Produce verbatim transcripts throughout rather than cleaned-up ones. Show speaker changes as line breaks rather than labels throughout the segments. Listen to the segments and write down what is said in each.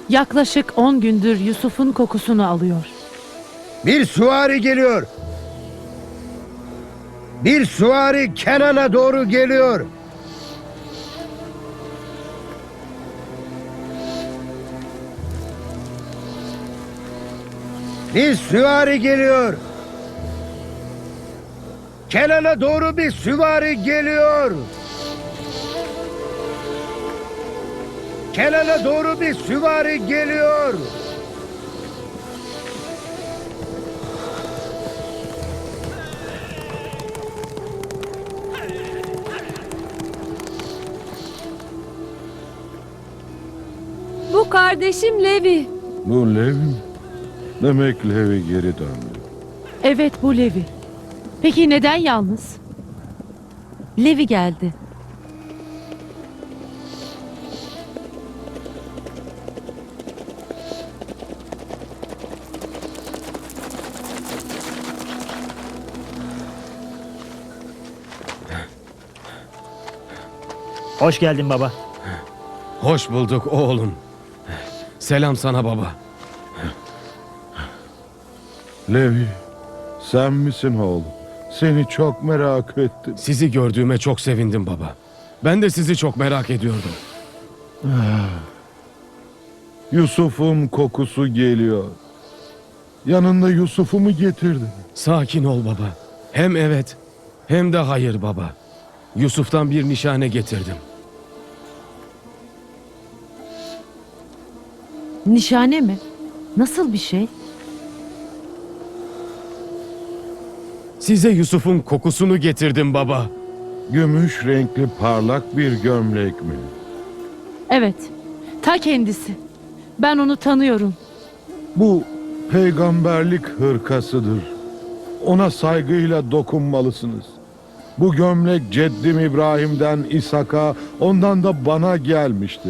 Yaklaşık on gündür Yusuf'un kokusunu alıyor.
Bir süvari geliyor. Bir süvari Kenan'a doğru geliyor. Bir süvari geliyor. Kenan'a doğru bir süvari geliyor. Kenan'a doğru bir süvari geliyor.
Bu kardeşim Levi.
Bu Levi mi? Demek Levi geri döndü.
Evet, bu Levi. Peki neden yalnız?
Levi geldi.
Hoş geldin baba.
Hoş bulduk oğlum. Selam sana baba.
Levi, sen misin oğlum? Seni çok merak ettim.
Sizi gördüğüme çok sevindim baba. Ben de sizi çok merak ediyordum.
Yusuf'un kokusu geliyor. Yanında Yusuf'u mu getirdin?
Sakin ol baba. Hem evet hem de hayır baba. Yusuf'tan bir nişane getirdim.
Nişane mi? Nasıl bir şey?
Size Yusuf'un kokusunu getirdim baba.
Gümüş renkli parlak bir gömlek mi?
Evet, ta kendisi. Ben onu tanıyorum.
Bu peygamberlik hırkasıdır. Ona saygıyla dokunmalısınız. Bu gömlek ceddim İbrahim'den İshak'a, ondan da bana gelmiştir.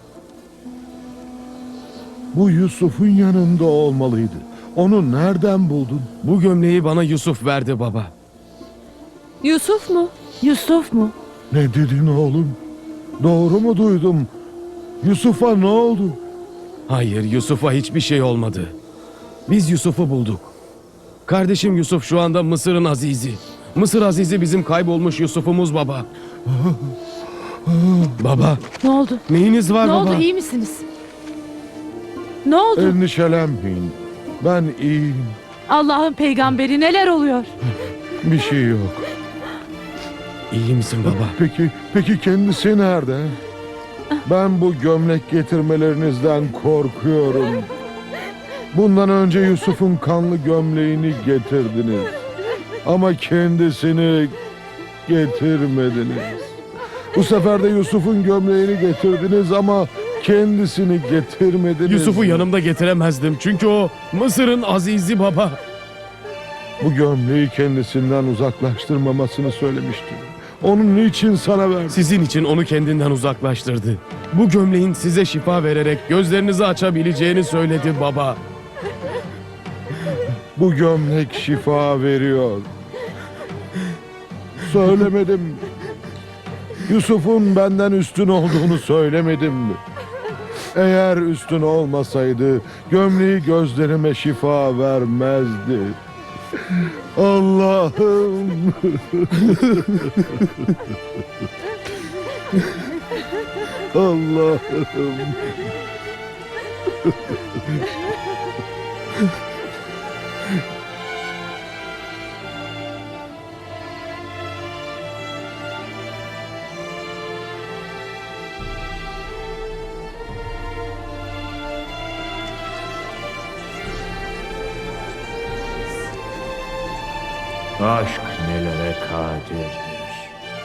Bu Yusuf'un yanında olmalıydı. Onu nereden buldun?
Bu gömleği bana Yusuf verdi baba.
Yusuf mu?
Yusuf mu?
Ne dedin oğlum? Doğru mu duydum? Yusuf'a ne oldu?
Hayır, Yusuf'a hiçbir şey olmadı. Biz Yusuf'u bulduk. Kardeşim Yusuf şu anda Mısır'ın azizi. Mısır azizi bizim kaybolmuş Yusuf'umuz baba. Baba,
Ne oldu?
neyiniz var
Ne
baba?
oldu? İyi misiniz? Ne oldu?
Endişelenmeyin. Ben iyiyim.
Allah'ın peygamberi, neler oluyor?
Bir şey yok.
İyi misin baba?
Peki, peki kendisi nerede? Ben bu gömlek getirmelerinizden korkuyorum. Bundan önce Yusuf'un kanlı gömleğini getirdiniz. Ama kendisini getirmediniz. Bu sefer de Yusuf'un gömleğini getirdiniz ama kendisini getirmediniz.
Yusuf'u yanımda getiremezdim çünkü o Mısır'ın azizi baba.
Bu gömleği kendisinden uzaklaştırmamasını söylemiştim. Onun niçin sana verdi?
Sizin için onu kendinden uzaklaştırdı. Bu gömleğin size şifa vererek gözlerinizi açabileceğini söyledi baba.
Bu gömlek şifa veriyor. Söylemedim. Yusuf'un benden üstün olduğunu söylemedim mi? Eğer üstün olmasaydı gömleği gözlerime şifa vermezdi. Allah'ım. Allah'ım.
Aşk nelere kadirdir.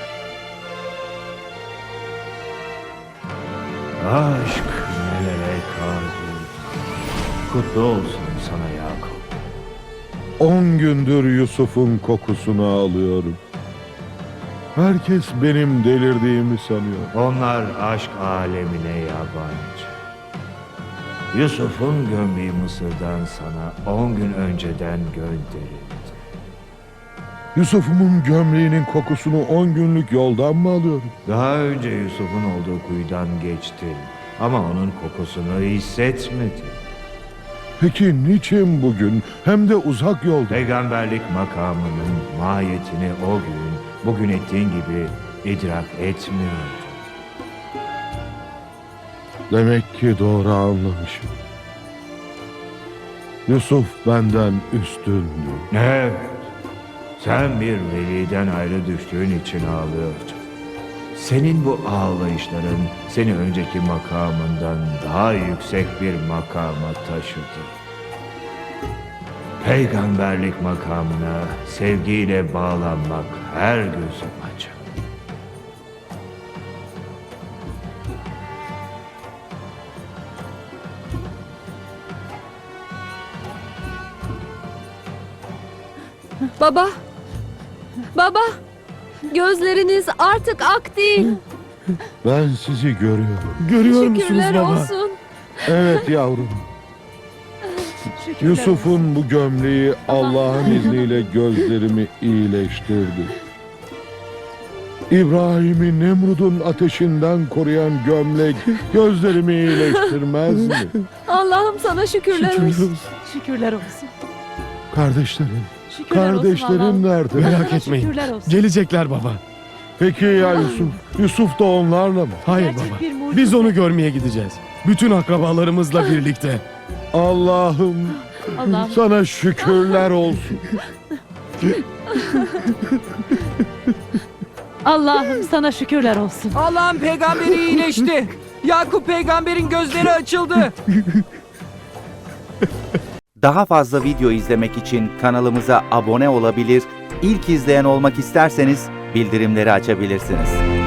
Aşk nelere kadir. Kutlu olsun sana Yakup.
On gündür Yusuf'un kokusunu alıyorum. Herkes benim delirdiğimi sanıyor.
Onlar aşk alemine yabancı. Yusuf'un gömleği Mısır'dan sana on gün önceden gönderildi.
Yusuf'umun gömleğinin kokusunu on günlük yoldan mı alıyorum?
Daha önce Yusuf'un olduğu kuyudan geçtin. ama onun kokusunu hissetmedi.
Peki niçin bugün hem de uzak yolda?
Peygamberlik makamının mahiyetini o gün, bugün ettiğin gibi idrak etmiyordu.
Demek ki doğru anlamışım. Yusuf benden üstündü.
Evet, sen bir veliden ayrı düştüğün için ağlıyordun. Senin bu ağlayışların seni önceki makamından daha yüksek bir makama taşıdı. Peygamberlik makamına sevgiyle bağlanmak her gözüm açar.
Baba. Baba. Gözleriniz artık ak değil.
Ben sizi görüyorum.
Görüyor musunuz
Şükürler
baba?
olsun.
Evet yavrum.
Şükürler
Yusuf'un bu gömleği Allah'ın izniyle gözlerimi iyileştirdi. İbrahim'i Nemrud'un ateşinden koruyan gömlek gözlerimi iyileştirmez mi?
Allah'ım sana şükürler
Şükürler
olsun.
olsun.
Şükürler olsun.
Kardeşlerim,
Şükürler olsun
kardeşlerim
Allah'ım.
nerede?
Merak
Sana
etmeyin.
şükürler olsun.
Gelecekler baba.
Peki ya Yusuf? Yusuf da onlarla mı?
Hayır
Gerçek
baba.
bir mucize.
Biz onu görmeye gideceğiz. Bütün akrabalarımızla birlikte.
Allah'ım
Allah'ım.
sana şükürler olsun.
Allah'ım sana şükürler olsun.
Allah'ın peygamberi iyileşti. Yakup peygamberin gözleri açıldı.
Daha fazla video izlemek için kanalımıza abone olabilir, ilk izleyen olmak isterseniz bildirimleri açabilirsiniz.